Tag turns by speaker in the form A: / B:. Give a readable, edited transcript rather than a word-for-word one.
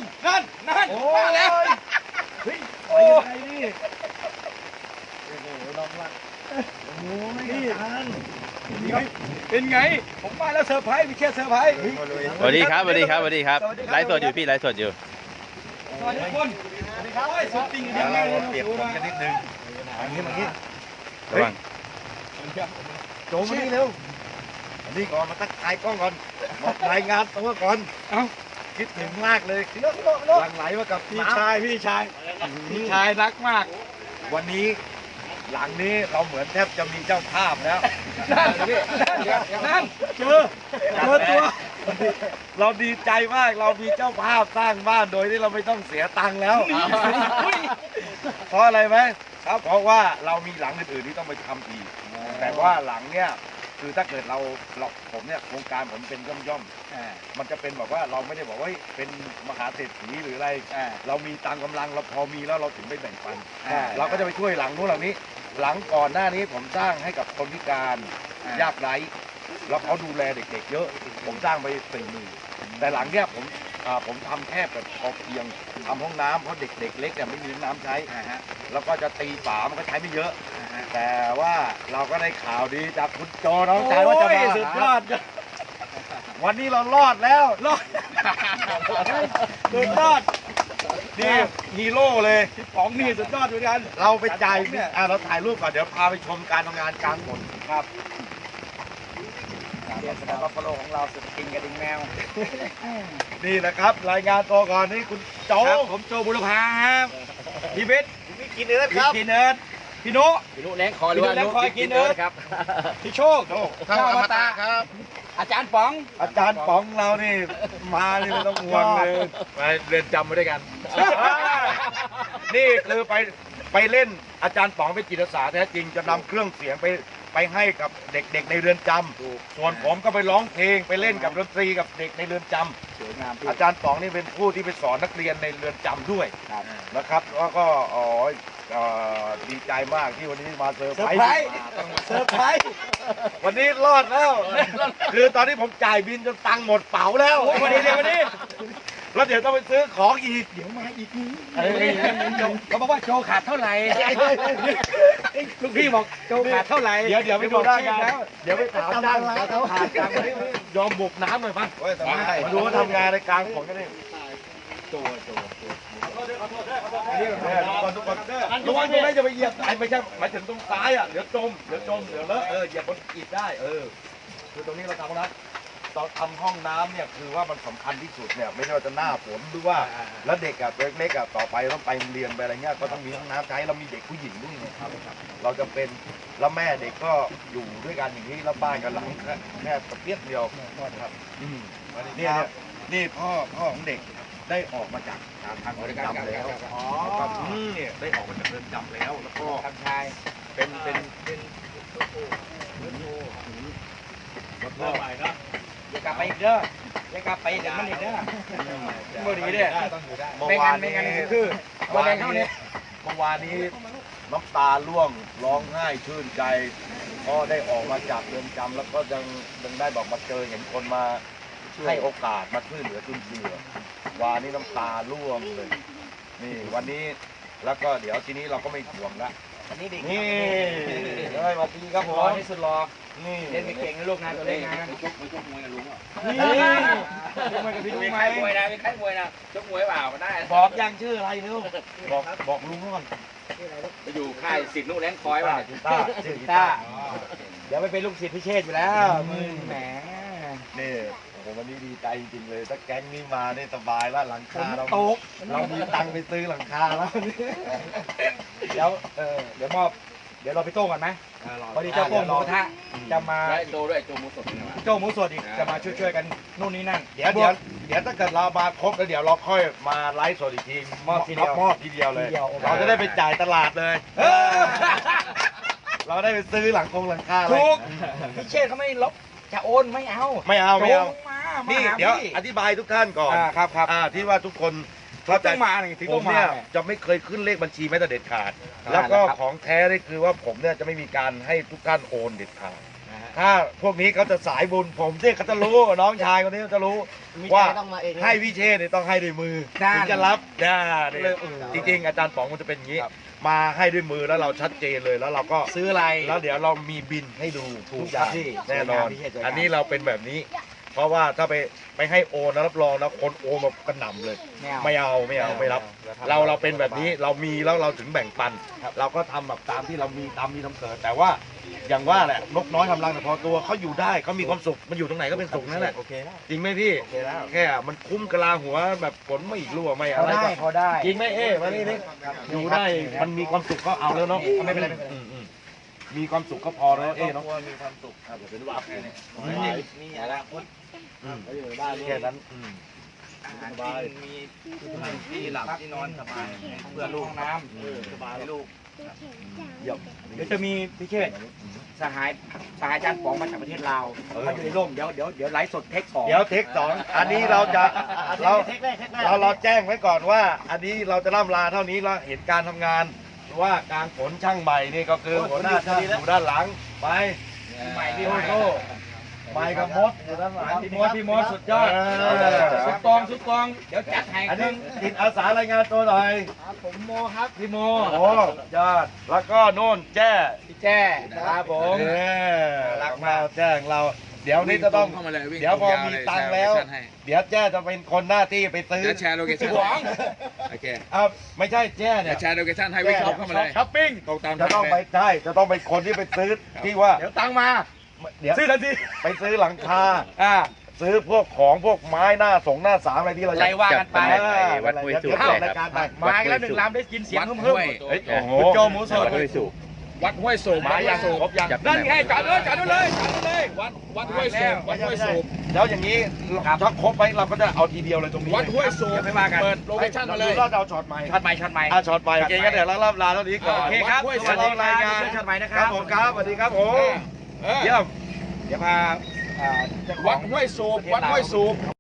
A: นั่นมาแล้ว
B: เฮ้ยโอ้ยนี่โอ้โหน้องรักโอ้ยนี่
A: เป็นไงผมมาแล้วเซอร์ไพรส์ไม่ใช่เซอร์ไพรส์
C: สวัสดีครับสวัสดีครับสวัสดีครับไลฟ์สดอยู่พี่ไลฟ์สดอยู่
A: สวัสดีทุกคนสวัสดีครับสุดจริงเดี๋ยวเราเปรียบผมกันนิดนึง
B: อย่างนี้
C: ระวัง
B: โจมานี่เร็วอันนี้ก่อนมาตั้งทายกล้องก่อนบอกรายงานตัวก่อนคิดถึงมากเลยหลั่งไหลมากับ
A: พี่ชายรักมาก
B: วันนี้หลังนี้เราเหมือนแทบจะมีเจ้าภาพแล้ว
A: นั่นเจอตัว
B: เราดีใจมากเรามีเจ้าภาพสร้างบ้านโดยที่เราไม่ต้องเสียตังค์แล้วเพราะอะไรไหมครับเพราะว่าเรามีหลังอื่นๆที่ต้องไปทำอีกแต่ว่าหลังเนี้ยคือถ้าเกิดเราผมเนี่ยโครงการผมเป็นย่อมมันจะเป็นแบบว่าเราไม่ได้บอกว่าเป็นมหาเศรษฐีหรืออะไรเรามีตามกำลังเราพอมีแล้วเราถึงไปแบ่งปันเราก็จะไปช่วยหลังนู้นหลังนี้หลังก่อนหน้านี้ผมสร้างให้กับคนพิการยากไร้แล้วเขาดูแลเด็กๆเยอะผมสร้างไป40,000แต่หลังเนี้ยผมทำแค่แบบพอเพียงทำห้องน้ำเพราะเด็กๆเล็กเนี่ยไม่มีน้ำใช้แล้วก็จะตีฝามันก็ใช้ไม่เยอะแต่ว่าเราก็ได้ข่าวดีจากคุณโจน้องชายว่าจะมา
A: สุดยอด
B: วันนี้เรารอดแล้ว
A: สุดยอด
B: นี่ฮีโร่เลย
A: พี่ป๋องนี่สุดยอดเหมือนกัน
B: เราไปจ่ายเราถ่ายรูปก่อนเดี๋ยวพาไปชมการทำงานกลางฝนครับ
A: เรียนสนามบัฟฟาโลของเราสุดจริงกระดิ่งแมว
B: นี่นะครับรายงานตัวก่อนนี่คุณโจ
A: ผมโจบุรพาครับพี่เบส
B: พี่กินเนื้อครับ
A: พี่เนิร์ดพี่นุ
C: แรงคอหรือว่านุ
A: กินเนิร์ดครับพี่โชคข้าวอมตะครับอาจารย์ป๋อง
B: เรานี่มานี่ไม่ต้องห่วงเลย
A: ไปเรียนจำมาด้วยกัน
B: นี่คือไปเล่นอาจารย์ป๋องเป็นจิตอาสาแท้จริงจะนำเครื่องเสียงไปให้กับเด็กๆในเรือนจำส่วนผมก็ไปร้องเพลงไปเล่นกับดนตรีกับเด็กในเรือนจำ
A: สวยงาม
B: อาจารย์ป๋องนี่เป็นผู้ที่ไปสอนนักเรียนในเรือนจำด้วยนะครับแล้วก็ดีใจมากที่วันนี้มาเซอร์ไพรส์วันนี้รอดแล้วคือตอนนี้ผมจ่ายบินจนตังค์หมดเป๋าแล้ว
A: วันนี้
B: แล้วเดี๋ยวต้องไปซื้อของอีก
A: เดี๋ยวมาอีกเขาบอกว่าโจขาดเท่าไหร่ลูกพี่บอกโจขาดเท่าไหร่
B: เดี๋ยวไปดูได้แล้วเดี๋ยวไปถามจ้างเขาขาดจังยอมบุกน้ำหน่อยป่ะมาดูว่าทำงานในกลางฝนกันดิโจระวังตรงนี้จะไปเหยียบไม่ใช่หมายถึงตรงซ้ายอ่ะเดี๋ยวจมเดี๋ยวเลอะเหยียบบนอิฐได้คือตรงนี้เราทำนะเราทำห้องน้ำเนี่ยคือว่ามันสำคัญที่สุดเนี่ยไม่ว่าจะหน้าฝนหรือว่าแล้วเด็กอ่ะเล็กๆอ่ะต่อไปต้องไปเรียนไปอะไรเงี้ยก็ต้องมีห้องน้ำใช้เรามีเด็กผู้หญิงด้วยนะครับเราจะเป็นแล้วแม่เด็กก็อยู่ด้วยกันอย่างนี้แล้วบ้านกันหลังแค่กระเปียกเดียวครับนี่พ่อของเด็กได้ออกมาจากทางเรือนจำแล้วครับเนี่ยได้ออกมาจากเรือนจำแล้วแล้วก็
A: ทางชาย
B: เป็น
A: เริ่มใหม่นะอย่ากลับไปอีกเด้ออย่ากลับไปเดี๋ยวมันอีกเด้อเมื่อดีเด้อ
B: เมื่อวานนี้น้ำตาร่วงร้องไห้ชื่นใจก็ได้ออกมาจากเรือนจำแล้วก็ยังได้บอกมาเจอเห็นคนมาให้โอกาสมาช่วยเหลือจุนเจือวานนี้น้ำตาร่วงเลยนี่วันนี้แล้วก็เดี๋ยวทีนี้เราก็ไม่ห่วงละ
A: นี่ส
B: วัสดีครับผม
A: ที่สุดรอ
B: นี่
A: เล่นไม่เก่งนะลูกนะตัวเล่นงานชกมวยกับลุงอ่ะชกมวยกับพี่ลุงไหมมวยนะมีใครมวยนะชกมวยเปล่าก็ได้
B: บอกยังชื่ออะไรเร็วบอกลุงก่อน
A: ไปอยู่ค่ายศิษย์นุ่งแรงคอยว่ะ
B: ชื่อกีตาร์
A: เดี๋ยวไปเป็นลูกศิษย์พิเชษอยู่แล้วแหม
B: นี่ผมวันนี้ดีใจจริงๆเลยถ้าแก๊งนี้มาเนี่ยสบายแล้วหลังคาเรามีตังค์ไปซื้อหลังคาแล้ว
A: เดี๋ยวมอบเดี๋ยวเราไปโต้กันไหมพอดีเจ้าโป้งหมูกระทะจะมา
C: โจด้วยโจหมูสด
A: โจ้หมูสดอีกจะมาช่วยกันนู่นนี่นั่น
B: เดี๋ยวถ้าเกิดเรามาครบแล้วเดี๋ยวเราค่อยมาไลฟ์สดอีกทีมอบทีเดียวเลยเราจะได้ไปจ่ายตลาดเลยเราได้ไปซื้อหลังคา
A: ถูกพี่เชษเขาไม่ลบจะโอนไม่เอา
B: นี่เดี๋ยวอธิบายทุกท่านก่อน
A: ครับ
B: ที่ว่าทุกคน
A: เขาต้องมา
B: ผมเนี่ยจะไม่เคยขึ้นเลขบัญชีแม้แต่เด็ดขาดแล้วก็ของแท้นี่คือว่าผมเนี่ยจะไม่มีการให้ทุกท่านโอนเด็ดขาดถ้าพวกนี้เขาจะสายบุญผมที่เขาจะรู้น้องชายคนนี้เขาจะรู้ว่าให้พี่เชษเนี่ยต้องให้ด้วยมือถึงจะรับจริงๆอาจารย์ป๋องมันจะเป็นอย่างนี้มาให้ด้วยมือแล้วเราชัดเจนเลยแล้วเราก็ซื้ออะไรแล้วเดี๋ยวเรามีบินให้ดูทุกอย่างแน่นอนอันนี้เราเป็นแบบนี้ เพราะว่าถ้าไปให้โอนนะรับรองนะคนโอนมากระหน่ำเลยไม่เอาไม่รับเราเป็นแบบนี้เรามีแล้วเราถึงแบ่งปันเราก็ทำแบบตามที่เรามีทำเกิดแต่ว่าอย่างว่าแหละนกน้อยทำรังแต่พอตัวเขาอยู่ได้เขามีความสุขมันอยู่ตรงไหนก็เป็นสุขนั่นแหละจริงไหมพี่แค่มันคุ้มกะลาหัวแบบฝนไม่รั่วไม่อะไรพอได้จริงไหมมานี่อยู่ได้มันมีความสุขก็เอาแล้วเนาะไม่เป็นไรมีความสุขก็พอแล้วเนาะมีความสุขครับอย่าเป็นว่านี่อะไรแค่นั้นสบายมีที่หลับที่นอนสบายเพื่อลูกน้ำสบายลูกเดี๋ยวจะมีพี่เชษสหายอาจารย์ป๋องมาจากประเทศลาวเขาอยู่ในร่มเดี๋ยวไลฟ์สดเทค2เทค 2อันนี้เราจะเราแจ้งไว้ก่อนว่าอันนี้เราจะล่ำลาเท่านี้แล้วเห็นการทำงานว่าการขนช่างใหม่นี่ก็คือหัวหน้าช่างอยู่ด้านหลังไปใหม่พี่โต้ไปกับมดอยู่ด้านหลังพี่มดสุดยอดสุดกองเดี๋ยวจัดให้อันนี้จิตอาสารายงานตัวหน่อยผมโมครับพี่โมยอดแล้วก็โน่นแจ้พี่แจ้ครับผมรักมากแจ้งเราเดี๋ยวนี้จะต้องเดี๋ยวพอมีตังค์แล้วเดี๋ยวแจ้จะเป็นคนหน้าที่ไปซื้อ
A: แชร์โลเคชั่นโอเค
B: ไม่ใช่แจ้เนี่ย
A: แชร์โลเคชั่นให้วิ่งเข้ามาเลย
B: ช้อปปิ้งจะต้องไปใช่จะต้องเป็นคนที่ไปซื้อที่ว่าเดี๋ยวตังมาเดี๋ยวซื้อทันทีไปซื้อหลังคาซื้อพวกของพวกไม้หน้าหน้าสามอะไรที่เรา
C: ใจว่ากันไปวัดห้วยสูบเลยครับ
B: ไม้แล้ว1 ลำได้กินเสียงฮึ่มโจหมูสด
A: วัดห้วยสูบ
B: มาอย่างครบยัง
A: นั่นไงจอดเลยวัดห้วยสูบ
B: แล้วอย่างนี้ถ้าครบไปเราก็จะเอาทีเดียวเลยตรงนี้
A: วัดห้วยสูบ
B: ไม่มากัน
A: เปิดโลเคชั่นมาเลย
B: เราเอาช็อตใหม่ช็อตใหม่โอเคก็เดี๋ยวเราลาเท่านี้ก่อน
A: โอเคครับ
B: สวัสดีรายงาน
A: ช็อตใหม่นะครับ
B: ผมครับสวัสดีครับผมเยี่ยม
A: เดี๋ยวพาวัดห้วยสูบ